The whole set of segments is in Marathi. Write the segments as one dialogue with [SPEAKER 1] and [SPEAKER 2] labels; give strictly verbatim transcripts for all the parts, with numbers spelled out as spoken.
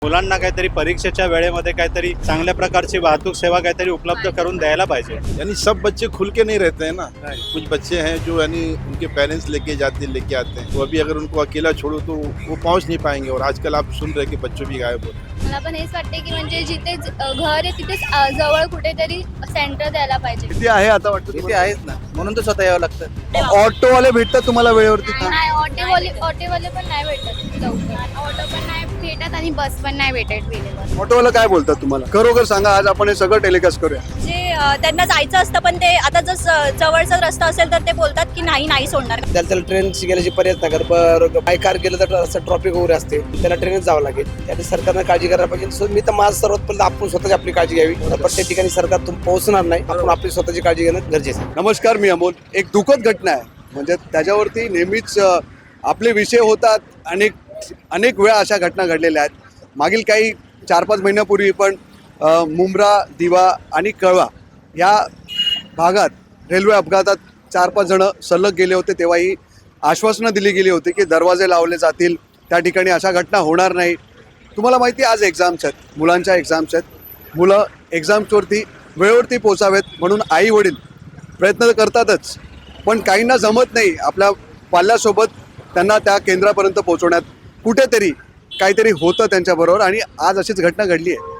[SPEAKER 1] मुलांना काहीतरी परीक्षेच्या वेळेमध्ये काहीतरी चांगल्या प्रकारची वाहतूक सेवा काहीतरी उपलब्ध करून द्यायला पाहिजे।
[SPEAKER 2] यानी सब बच्चे खुल के नहीं रहते हैं ना, कुछ बच्चे हैं जो यानी उनके पेरेंट्स लेके जाते लेके आते हैं, तो अभी अगर उनको अकेला छोड़ो तो वो पहुंच नहीं पाएंगे। और आजकल आप सुन रहे कि बच्चों भी गायब हो रहे हैं।
[SPEAKER 3] मला पण हेच वाटते की म्हणजे जिथे ज- घर आहे तिथेच अ, जवळ कुठेतरी सेंटर द्यायला पाहिजे।
[SPEAKER 4] किती आहे आता वाटतं
[SPEAKER 5] इथे आहेत ना, म्हणून तर स्वतः यावं लागतं।
[SPEAKER 4] ऑटोवाले भेटतात तुम्हाला वेळेवरती?
[SPEAKER 3] नाही ऑटोवाले ऑटोवाले पण नाही भेटत लवकर, ऑटो पण नाही भेटत आणि बस पण नाही भेटत वेळेवर।
[SPEAKER 4] ऑटोवाला काय बोलतात तुम्हाला? खरोखर सांगा, आज आपण हे सगळं टेलिकास्ट करूया।
[SPEAKER 6] जे अ, त्यांना जायचं असतं पण ते आता जर स- जवळचा रस्ता असेल तर ते बोलतात की नाही नाही सोडणार।
[SPEAKER 5] त्याला त्याला ट्रेनची गेल्याची पर्याय नाही कर, बरं बाय कार गेलं तर असं ट्रॉफिक वगैरे असते, त्याला ट्रेनच जावं लागेल। त्यासाठी सरकारनं काळजी करायला पाहिजे। सो मी तर माझं सर्वात पहिलं आपण स्वतःची आपली काळजी घ्यावी। प्रत्येक ठिकाणी सरकार तुम पोहोचणार नाही, आपण आपली स्वतःची काळजी घेणं गरजेचं आहे।
[SPEAKER 4] नमस्कार, मी अमोल। एक दुःखद घटना आहे, म्हणजे त्याच्यावरती नेहमीच अ, आपले विषय होतात। अनेक अनेक वेळा अशा घटना घडलेल्या आहेत। मागील काही चार पाच महिन्यापूर्वी पण अ, मुंब्रा, दिवा आणि कळवा या भागात रेल्वे अपघातात चार पाच जण सलग गेले होते। तेव्हाही आश्वासनं दिली गेली होती की दरवाजे लावले जातील, त्या ठिकाणी अशा घटना होणार नाही। तुम्हाला माहिती आहे, आज एक्झाम्स आहेत, मुलांच्या एक्झाम्स आहेत। मुलं एक्झाम्सवरती वेळेवरती पोचावेत म्हणून आई वडील प्रयत्न तर करतातच, पण काहींना जमत नाही आपल्या पाल्यासोबत त्यांना त्या केंद्रापर्यंत पोहोचवण्यात। कुठेतरी काहीतरी होतं त्यांच्याबरोबर आणि आज अशीच घटना घडली आहे।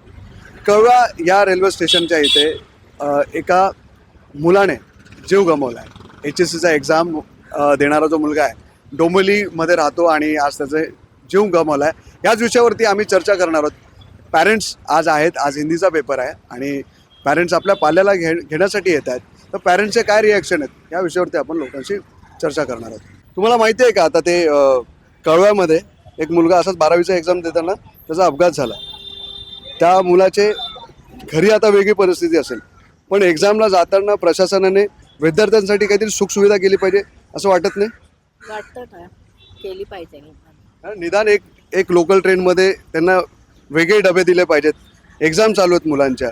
[SPEAKER 4] कळवा या रेल्वे स्टेशनच्या इथे अ, एका मुलाने जीव गमावला आहे। एच एस सीचा एक्झाम देणारा जो मुलगा आहे, डोंबिवलीमध्ये राहतो आणि आज त्याचे जीव गमावला आहे। याच विषयावरती आम्ही चर्चा करणार आहोत। पॅरेंट्स आज आहेत, आज हिंदीचा पेपर आहे आणि पॅरेंट्स आपल्या पाल्याला घे घेण्यासाठी येत आहेत, तर पॅरेंट्सचे काय रिॲक्शन आहेत या विषयावरती आपण लोकांशी चर्चा करणार आहोत। तुम्हाला माहिती आहे का, आता ते अ, कळव्यामध्ये एक मुलगा असाच बारावीचा एक्झाम देताना त्याचा अपघात झाला। त्या मुलाचे घरी आता वेगळी परिस्थिती असेल, पण एक्झामला जाताना प्रशासनाने विद्यार्थ्यांसाठी काहीतरी सुखसुविधा केली पाहिजे असं वाटत नाही?
[SPEAKER 6] वाटतं ना, केली पाहिजे।
[SPEAKER 4] निदान एक एक लोकल ट्रेनमध्ये त्यांना वेगळे डबे दिले पाहिजेत। एक्झाम चालू आहेत मुलांच्या।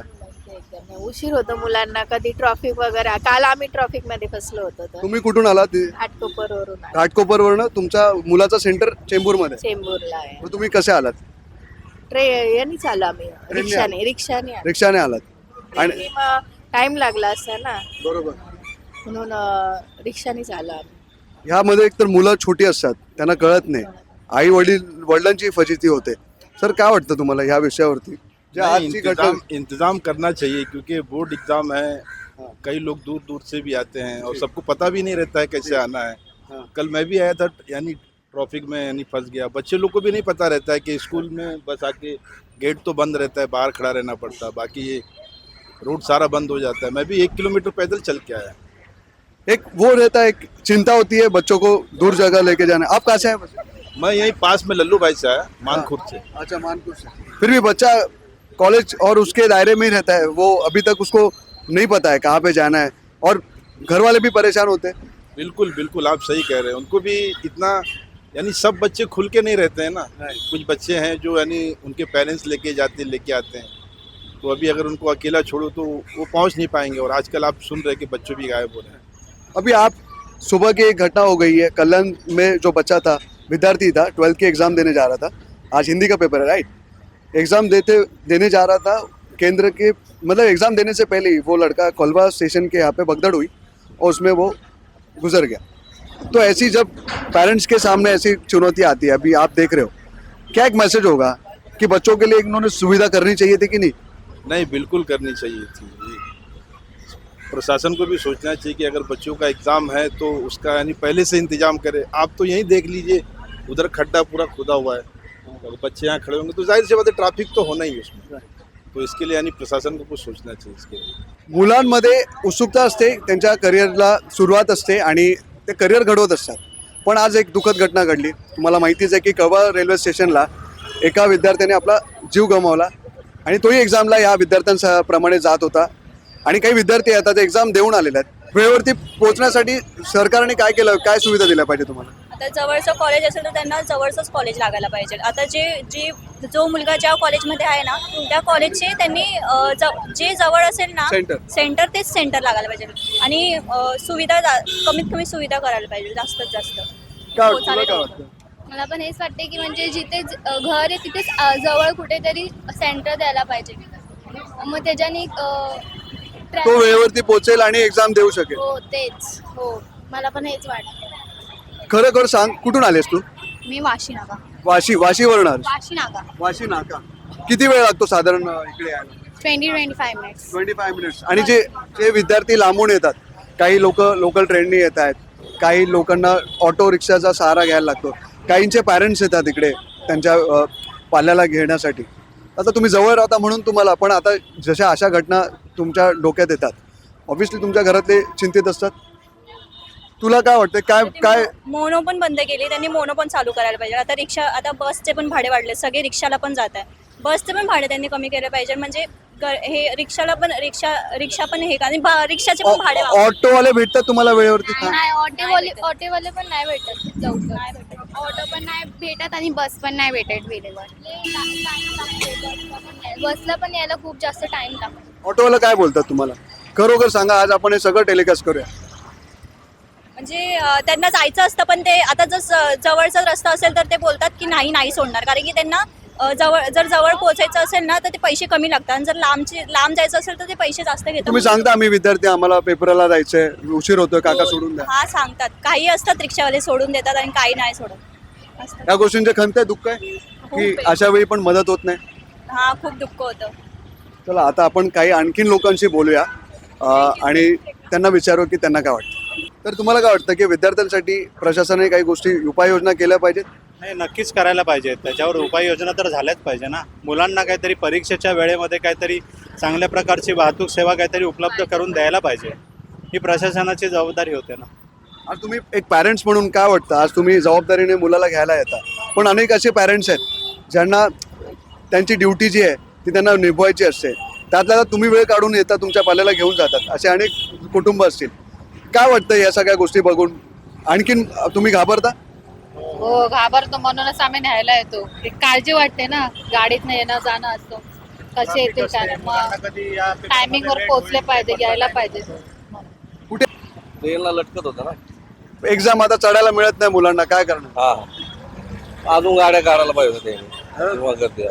[SPEAKER 6] उशीर होतो मुलांना, कधी ट्रॉफिक वगैरे। काल आम्ही ट्रॉफिक मध्ये फसलो होतो तर
[SPEAKER 4] तुम्ही कुठून आलात?
[SPEAKER 6] घाटकोपर वरून
[SPEAKER 4] घाटकोपरवरनं तुमच्या मुलाचं सेंटर चेंबूरमध्ये?
[SPEAKER 6] चेंबूरला आहे।
[SPEAKER 4] मग तुम्ही कसे आलात?
[SPEAKER 6] ट्रे यांनी चालू आम्ही रिक्षाने रिक्षाने आलो।
[SPEAKER 4] रिक्षाने आलात आणि
[SPEAKER 6] टाइम लागला असता ना,
[SPEAKER 4] बरोबर।
[SPEAKER 6] म्हणून अ, रिक्षानेच आलो आम्ही।
[SPEAKER 4] ह्यामध्ये एकतर मुलं छोटी असतात, त्यांना कळत नाही, आई वडील वडिलांची फजिती होते। सर, काय वाटतं तुम्हाला ह्या विषयावरती? जे
[SPEAKER 2] नहीं,
[SPEAKER 4] आजची घटना
[SPEAKER 2] इंतजाम इंतजाम करना चाहिए, क्योंकि बोर्ड एग्जाम है, कई लोग दूर दूर से भी आते हैं और सबको पता भी नहीं रहता है कैसे आना है।
[SPEAKER 4] हाँ।
[SPEAKER 2] कल मैं भी आया था, यानी ट्रैफिक में यानी फंस गया। बच्चे लोग को भी नहीं पता रहता है कि स्कूल में बस आके गेट तो बंद रहता है, बाहर खड़ा रहना पड़ता है, बाकी ये रोड सारा बंद हो जाता है। मैं भी एक किलोमीटर पैदल चल के आया।
[SPEAKER 4] एक वो रहता है, एक चिंता होती है बच्चों को दूर जगह लेके जाना। आप कहाँ से हैं?
[SPEAKER 2] मैं यहीं पास में लल्लू भाई से आया, मानखुर से।
[SPEAKER 4] अच्छा, मानपुर से। फिर भी बच्चा कॉलेज और उसके दायरे में ही रहता है, वो अभी तक उसको नहीं पता है कहाँ पे जाना है, और घर वाले भी परेशान होते हैं।
[SPEAKER 2] बिल्कुल बिल्कुल, आप सही कह रहे हैं। उनको भी इतना यानी सब बच्चे खुल के नहीं रहते हैं ना, कुछ बच्चे हैं जो यानी उनके पेरेंट्स लेके जाते लेके आते हैं, तो अभी अगर उनको अकेला छोड़ो तो वो पहुंच नहीं पाएंगे। और आजकल आप सुन रहे कि बच्चों भी गायब हो रहे हैं।
[SPEAKER 4] अभी आप सुबह की एक घटना हो गई है, कल्याण में जो बच्चा था, विद्यार्थी था, ट्वेल्थ की एग्ज़ाम देने जा रहा था। आज हिंदी का पेपर है, राइट? एग्ज़ाम देते देने जा रहा था केंद्र के, मतलब एग्ज़ाम देने से पहले ही वो लड़का कोलवा स्टेशन के यहाँ पे भगदड़ हुई और उसमें वो गुजर गया। तो ऐसी जब पेरेंट्स के सामने ऐसी चुनौती आती है, अभी आप देख रहे हो, क्या एक मैसेज होगा कि बच्चों के लिए इन्होंने सुविधा करनी चाहिए थी कि नहीं?
[SPEAKER 2] नहीं, बिल्कुल करनी चाहिए थी। ये प्रशासन को भी सोचना चाहिए कि अगर बच्चों का एग्ज़ाम है तो उसका यानी पहले से इंतजाम करे। आप तो यहीं देख लीजिए, उधर खड्डा पूरा खुदा हुआ है, अगर बच्चे यहाँ खड़े होंगे तो जाहिर सी बात है ट्रैफिक तो होना ही है उसमें। तो इसके लिए यानी प्रशासन को कुछ सोचना चाहिए इसके लिए।
[SPEAKER 4] मुलांमध्ये उत्सुकता असते, त्यांच्या करिअरला सुरुवात असते आणि ते करिअर घडवत असतात। पण आज एक दुःखद घटना घडली। तुम्हाला माहितीच आहे की कळवा रेल्वे स्टेशनला एका विद्यार्थ्याने आपला जीव गमावला आणि तोही एक्झामला या विद्यार्थ्यांप्रमाणे जात होता आणि काही विद्यार्थी आता ते एक्झाम देऊन आलेले आहेत। वेळेवरती पोहोचण्यासाठी सरकारने काय केलं, काय सुविधा दिल्या पाहिजे तुम्हाला?
[SPEAKER 6] आता जवळचं कॉलेज असेल तर त्यांना जवळचंच कॉलेज लागायला पाहिजे। आता जे जे जो मुलगा ज्या कॉलेजमध्ये आहे ना, त्या कॉलेजचे त्यांनी अ, ज- जे जवळ असेल ना
[SPEAKER 4] सेंटर.
[SPEAKER 6] सेंटर तेच सेंटर लागायला पाहिजे आणि अ, सुविधा जा- कमीत कमी सुविधा करायला पाहिजे जास्तीत जास्त।
[SPEAKER 4] काय
[SPEAKER 6] हो,
[SPEAKER 4] तुला
[SPEAKER 6] चालेल.
[SPEAKER 4] काय वाटतं?
[SPEAKER 3] मला पण हेच वाटते की म्हणजे जिथे ज- अ, घर आहे तिथेच अ, जवळ कुठेतरी सेंटर द्यायला पाहिजे. मग त्याच्याने अ,
[SPEAKER 4] तो
[SPEAKER 3] ट्रॅव्हल-
[SPEAKER 4] वेळेवरती पोहोचेल आणि एक्झाम देऊ शकेल.
[SPEAKER 3] हो तेच हो मला पण हेच वाटतं.
[SPEAKER 4] खरं खरं सांग, कुठून आलेस तू?
[SPEAKER 3] मी वाशी नाका
[SPEAKER 4] वाशी वाशीवरून आलेस?
[SPEAKER 3] वाशी नाका
[SPEAKER 4] वाशी नाका. किती वेळ लागतो साधारण अ, इकडे यायला?
[SPEAKER 3] Twenty twenty five minutes.
[SPEAKER 4] Twenty five minutes. आणि जे जे विद्यार्थी लांबून येतात, काही लोक लोकल ट्रेननी येत आहेत, काही लोकांना ऑटो रिक्षाचा सहारा घ्यायला लागतो, काहींचे पॅरेंट्स येतात इकडे त्यांच्या अ, पाल्याला घेण्यासाठी. आता तुम्ही जवळ राहता म्हणून तुम्हाला, पण आता जशा अशा घटना तुमच्या डोक्यात येतात, ऑब्व्हियसली तुमच्या घरातले चिंतित असतात. तुला काय वाटतं, काय काय
[SPEAKER 6] मोनो पण बंद केली त्यांनी, मोनो पण चालू करायला पाहिजे. आता रिक्षा, आता बसचे पण भाडे वाढले, सगळे रिक्षाला पण जात आहे. बसचे पण भाडे त्यांनी कमी केले पाहिजे. म्हणजे ग- हे रिक्षाला पण रिक्षा रिक्षा पण हे का आणि बा- रिक्षाचे पण भाडे वाढले.
[SPEAKER 4] ऑटोवाले भेटतात तुम्हाला वेळेवरती? का?
[SPEAKER 3] नाही ऑटोवाले ऑटोवाले पण नाही भेटत लवकर. ऑटो पण नाही भेटत आणि बस पण नाही भेटत वेळेवर. बसला पण यायला खूप जास्त टाइम लागतो.
[SPEAKER 4] ऑटोवाला काय बोलतात तुम्हाला? खरोखर सांगा, आज आपण हे सगळं टेलिकास्ट करूया.
[SPEAKER 6] म्हणजे अं, त्यांना जायचं असतं, पण ते आता जर स- जवळचा रस्ता असेल तर ते बोलतात की नाही नाही सोडणार, कारण की त्यांना अं, जवळ जर जवळ पोहोचायचं असेल ना तर ते पैसे कमी लागतात, आणि जर लांबचे लांब जायचं असेल तर ते पैसे जास्त घेतात.
[SPEAKER 4] तुम्ही सांगता आम्ही विद्यार्थी, आम्हाला पेपरला जायचंय, उशीर होतोय, काका सोडून द्या.
[SPEAKER 6] हा सांगतात. काही असतात रिक्षावाले सोडून देतात आणि काही नाही सोडत असतात.
[SPEAKER 4] या गोष्टींचे खंत आहे, दुःख आहे की
[SPEAKER 6] आहे.
[SPEAKER 4] अशा वेळी पण मदत होत नाही.
[SPEAKER 6] हा खूप दुःख होतं.
[SPEAKER 4] चला आता आपण काही आणखीन लोकांशी बोलूया अं, आणि त्यांना विचारू की त्यांना काय वाटतं. तर तुम्हाला काय वाटतं की विद्यार्थ्यांसाठी प्रशासनाने काही गोष्टी उपाययोजना केल्या पाहिजेत?
[SPEAKER 1] नाही, नक्कीच करायला पाहिजे. त्याच्यावर उपाययोजना तर झाल्याच पाहिजे ना. मुलांना काहीतरी परीक्षेच्या वेळेमध्ये काहीतरी चांगल्या प्रकारची वाहतूक सेवा काहीतरी उपलब्ध करून द्यायला पाहिजे. ही प्रशासनाची जबाबदारी होते ना.
[SPEAKER 4] आज तुम्ही एक पॅरेंट्स म्हणून काय वाटतं, आज तुम्ही जबाबदारीने मुलाला घ्यायला येता, पण अनेक असे पॅरेंट्स आहेत ज्यांना त्यांची ड्युटी जी आहे ती त्यांना निभवायची असते, त्यातल्या त्यात तुम्ही वेळ काढून येता, तुमच्या पाल्याला घेऊन जातात, असे अनेक कुटुंब असतील. काय वाटतं या सगळ्या गोष्टी बघून? आणखीन तुम्ही घाबरता?
[SPEAKER 7] हो घाबरतो, म्हणूनच आम्ही न्यायला येतो. एक काळजी वाटते ना, गाडीत येणं जाणं असतं, कसे येतील काय, मग टायमिंगवर पोहोचले पाहिजे, यायला पाहिजे.
[SPEAKER 4] कुठे
[SPEAKER 8] ट्रेनला लटकत होता ना.
[SPEAKER 4] एक्झाम आता चढायला मिळत नाही मुलांना, काय करणार?
[SPEAKER 8] हा अजून गाड्या काढायला पाहिजे होत्या त्यांनी. तेव्हा करते.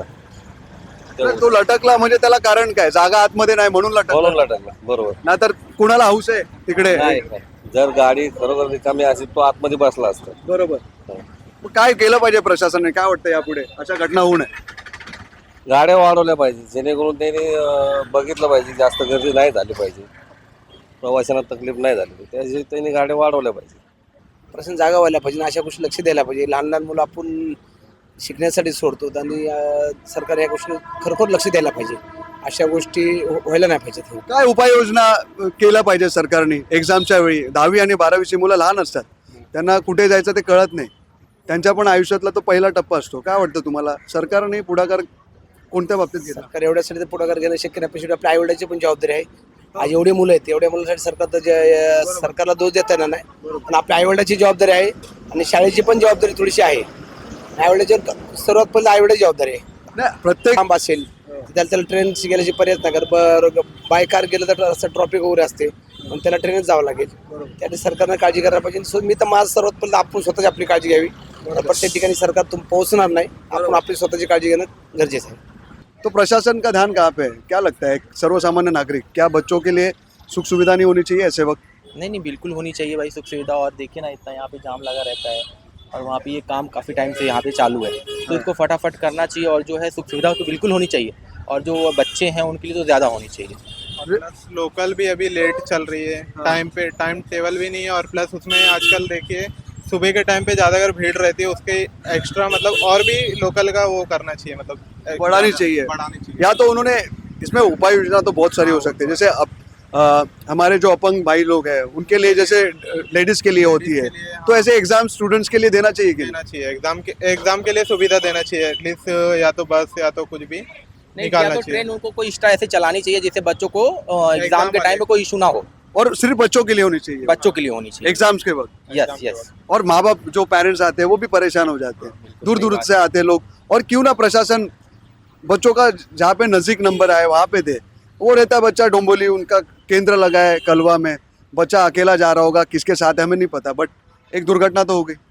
[SPEAKER 4] तर तो लटकला म्हणजे त्याला कारण काय? जागा आतमध्ये नाही म्हणून
[SPEAKER 8] म्हणून
[SPEAKER 4] लटकला,
[SPEAKER 8] लटकला. बरोबर.
[SPEAKER 4] नाहीतर कुणाला हौस आहे तिकडे?
[SPEAKER 8] नाही नाही. जर गाडी खरोखर रिकामी असेल तो आतमध्ये बसला असता.
[SPEAKER 4] बरोबर. मग काय केलं पाहिजे प्रशासनाने? काय वाटतं यापुढे अशा घटना होऊ नये?
[SPEAKER 8] गाड्या वाढवल्या पाहिजे, जेणेकरून त्यांनी अं, बघितलं पाहिजे जास्त गर्दी नाही झाली पाहिजे, प्रवाशांना तकलीफ नाही झाली पाहिजे, त्यासाठी त्यांनी गाड्या वाढवल्या पाहिजे.
[SPEAKER 5] प्रश्न जागा व्हायला पाहिजे आणि अशा गोष्टी लक्ष द्यायला पाहिजे. लहान लहान मुलं आपण शिकण्यासाठी सोडतो आणि अं, सरकार या गोष्टी खरोखर लक्ष द्यायला पाहिजे. अशा गोष्टी हो- व्हायला नाही पाहिजेत.
[SPEAKER 4] काय उपाययोजना अ, केल्या पाहिजे सरकारने एक्झामच्या वेळी? दहावी आणि बारावीची मुलं लहान असतात, त्यांना कुठे जायचं ते कळत नाही, त्यांच्या पण आयुष्यातला तो पहिला टप्पा असतो. काय वाटतं तुम्हाला, सरकारने पुढाकार कोणत्या बाबतीत घेतला?
[SPEAKER 5] सरकार एवढ्यासाठी तर पुढाकार घेणं शक्य नाही, पण आपल्या आईवडिलांची पण जबाबदारी आहे. आज एवढी मुलं आहेत, एवढ्या मुलांसाठी सरकार तर जे- सरकारला दोष देता येणार नाही, पण आपल्या आईवडिलांची जबाबदारी आहे आणि शाळेची पण जबाबदारी थोडीशी आहे. आईवडिलांची सर्वात पहिलं आईवडिलांची जबाबदारी आहे.
[SPEAKER 4] नाही, प्रत्येक
[SPEAKER 5] लांब असेल त्याला त्याला ट्रेन गेल्याची पर्याय नाही, कारण बर बाय कार गेलं तर रस्ता ट्रॉफिक वगैरे असते, पण त्याला ट्रेनच जावं लागेल. त्याने सरकारनं काळजी करायला पाहिजे. सो मी तर माझं सर्वात पहिलं आपण स्वतःची आपली काळजी घ्यावी. प्रत्येक ठिकाणी सरकार तुम पोहोचणार नाही, आपण आपली स्वतःची काळजी घेणं गरजेचं आहे.
[SPEAKER 4] तो प्रशासन का ध्यान कहाँ पे है? क्या लगता है सर्व सामान्य नागरिक, क्या बच्चों के लिए सुख सुविधा नहीं होनी चाहिए ऐसे वक्त?
[SPEAKER 9] नहीं नहीं बिल्कुल होनी चाहिए भाई सुख सुविधा। और देखिए ना इतना यहाँ पे जाम लगा रहता है और वहाँ पे ये काम काफ़ी टाइम से यहाँ पे चालू है, तो इसको फटाफट करना चाहिए। और जो है सुख सुविधा तो बिल्कुल होनी चाहिए, और जो बच्चे हैं उनके लिए तो ज़्यादा होनी चाहिए।
[SPEAKER 10] प्लस लोकल भी अभी लेट चल रही है, टाइम पे टाइम टेबल भी नहीं है, और प्लस उसमें आजकल देखिए सुबह के टाइम पे ज़्यादा अगर भीड़ रहती है उसके एक्स्ट्रा मतलब और भी लोकल का वो करना चाहिए, मतलब
[SPEAKER 4] बढ़ानी चाहिए।
[SPEAKER 10] बढ़ानी चाहिए।
[SPEAKER 4] या तो उन्होंने इसमें उपाय योजना तो बहुत सारी हो सकती है, जैसे अब अ, हमारे जो अपंग भाई लोग हैं उनके लिए जैसे लेडीज के लिए होती है,
[SPEAKER 10] के लिए, हाँ।
[SPEAKER 4] तो ऐसे एग्जाम स्टूडेंट्स के लिए देना चाहिए कि
[SPEAKER 10] देना चाहिए एग्जाम के एग्जाम के लिए सुविधा देना चाहिए एटलीस्ट, या तो बस या तो कुछ भी
[SPEAKER 9] नहीं
[SPEAKER 10] निकालना
[SPEAKER 9] या तो
[SPEAKER 10] चाहिए।
[SPEAKER 9] ट्रेन उनको कोई एक्स्ट्रा ऐसे चलानी चाहिए जिससे बच्चों को एग्जाम
[SPEAKER 10] एग्जाम
[SPEAKER 9] के टाइम में कोई इशू ना हो,
[SPEAKER 4] और सिर्फ बच्चों के लिए होनी चाहिए,
[SPEAKER 9] बच्चों के लिए होनी चाहिए।
[SPEAKER 4] एग्जाम्स के वक्त।
[SPEAKER 9] यस यस
[SPEAKER 4] और माँ बाप जो पेरेंट्स आते हैं वो भी परेशान हो जाते हैं, दूर दूर से आते हैं लोग, और क्यों ना प्रशासन बच्चों का जहाँ पे नज़दीक नंबर आए वहाँ पे दे। वो रहता है बच्चा डोंबोली, उनका केंद्र लगा है कलवा में, बच्चा अकेला जा रहा होगा, किसके साथ है हमें नहीं पता, बट एक दुर्घटना तो हो गई,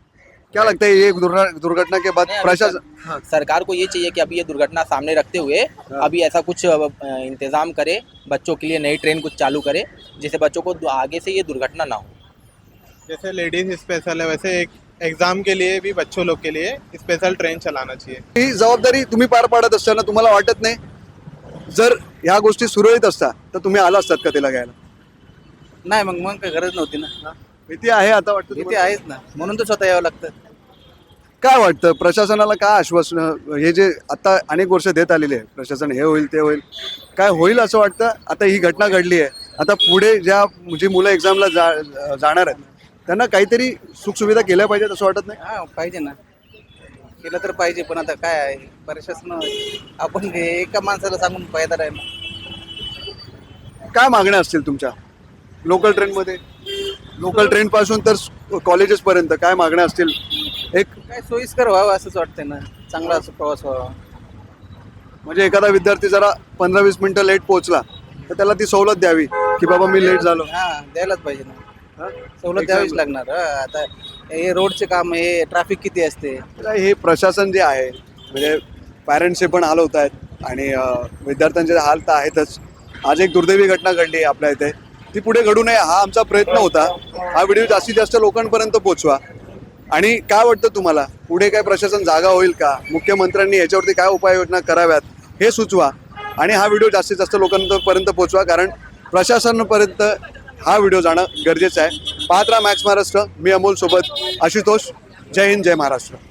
[SPEAKER 4] क्या लगता है ये दुर्घ- दुर्घटना के बाद
[SPEAKER 9] नहीं,
[SPEAKER 4] प्रशासन
[SPEAKER 9] हाँ, सरकार को ये चाहिए कि अभी ये दुर्घटना सामने रखते हुए अभी ऐसा कुछ अ, इंतजाम करे, बच्चों के लिए नई ट्रेन कुछ चालू करे जिससे बच्चों को आगे से ये दुर्घटना ना हो।
[SPEAKER 10] जैसे लेडीज स्पेशल है वैसे एक एग्जाम के लिए भी बच्चों लोग के लिए स्पेशल ट्रेन चलाना चाहिए.
[SPEAKER 4] ही जबाबदारी तुम्ही पार पाडत असताना तुम्हाला वाटत नाही जर ह्या गोष्टी सुरळीत असता तर तुम्ही आला असतात का तिला घ्यायला?
[SPEAKER 5] नाही मग मग काही गरज नव्हती ना.
[SPEAKER 4] भीती आहे आता वाटतं
[SPEAKER 5] भीती
[SPEAKER 4] तुम्हाला?
[SPEAKER 5] आहेच ना, म्हणून तर स्वतः यावं लागतं.
[SPEAKER 4] काय वाटतं प्रशासनाला काय आश्वासन हे जे आता अनेक वर्ष देत आलेले आहे प्रशासन हे होईल ते होईल काय होईल असं वाटतं? आता ही घटना घडली आहे आता पुढे ज्या जी मुलं एक्झामला जा जाणार आहेत त्यांना काहीतरी सुखसुविधा केल्या पाहिजेत असं वाटत नाही?
[SPEAKER 5] हा पाहिजे ना, केलं तर पाहिजे, पण आता काय आहे प्रशासन आपण हे एका माणसाला सांगून फायदा नाही ना.
[SPEAKER 4] काय मागण्या असतील तुमच्या लोकल ट्रेनमध्ये लोकल ट्रेन पासून तर कॉलेजेस पर्यंत काय मागण्या असतील? एक
[SPEAKER 5] काय सोयीस्कर व्हावं असंच वाटतंय ना, चांगला असं प्रवास व्हावा.
[SPEAKER 4] म्हणजे एखादा विद्यार्थी जरा पंधरा वीस मिनिटं लेट पोहोचला तर त्याला ती सवलत द्यावी की बाबा मी लेट झालो.
[SPEAKER 5] हा द्यायलाच पाहिजे ना,
[SPEAKER 4] हा?
[SPEAKER 5] सवलत द्यावीच लागणार. हा, आता हे रोडचे काम, हे ट्रॅफिक किती असते.
[SPEAKER 4] तर हे प्रशासन जे आहे म्हणजे पॅरेंट्सचे पण हाल होत आहेत आणि अं, विद्यार्थ्यांचे हाल तर आहेतच. आज एक दुर्दैवी घटना घडली आहे आपल्या इथे, ती पुढे घडू नये हा आमचा प्रयत्न होता. हा व्हिडिओ जास्तीत जास्त लोकांपर्यंत पोहोचवा. आणि काय वाटतं तुम्हाला पुढे काय प्रशासन जागा होईल का? मुख्यमंत्र्यांनी याच्यावरती काय उपाययोजना कराव्यात हे सुचवा आणि हा व्हिडिओ जास्तीत जास्त लोकांपर्यंत पोहोचवा, कारण प्रशासनापर्यंत हा व्हिडिओ जाणं गरजेचं आहे. पाहत राहा मॅक्स महाराष्ट्र. मी अमोल सोबत आशुतोष. जय हिंद, जय महाराष्ट्र.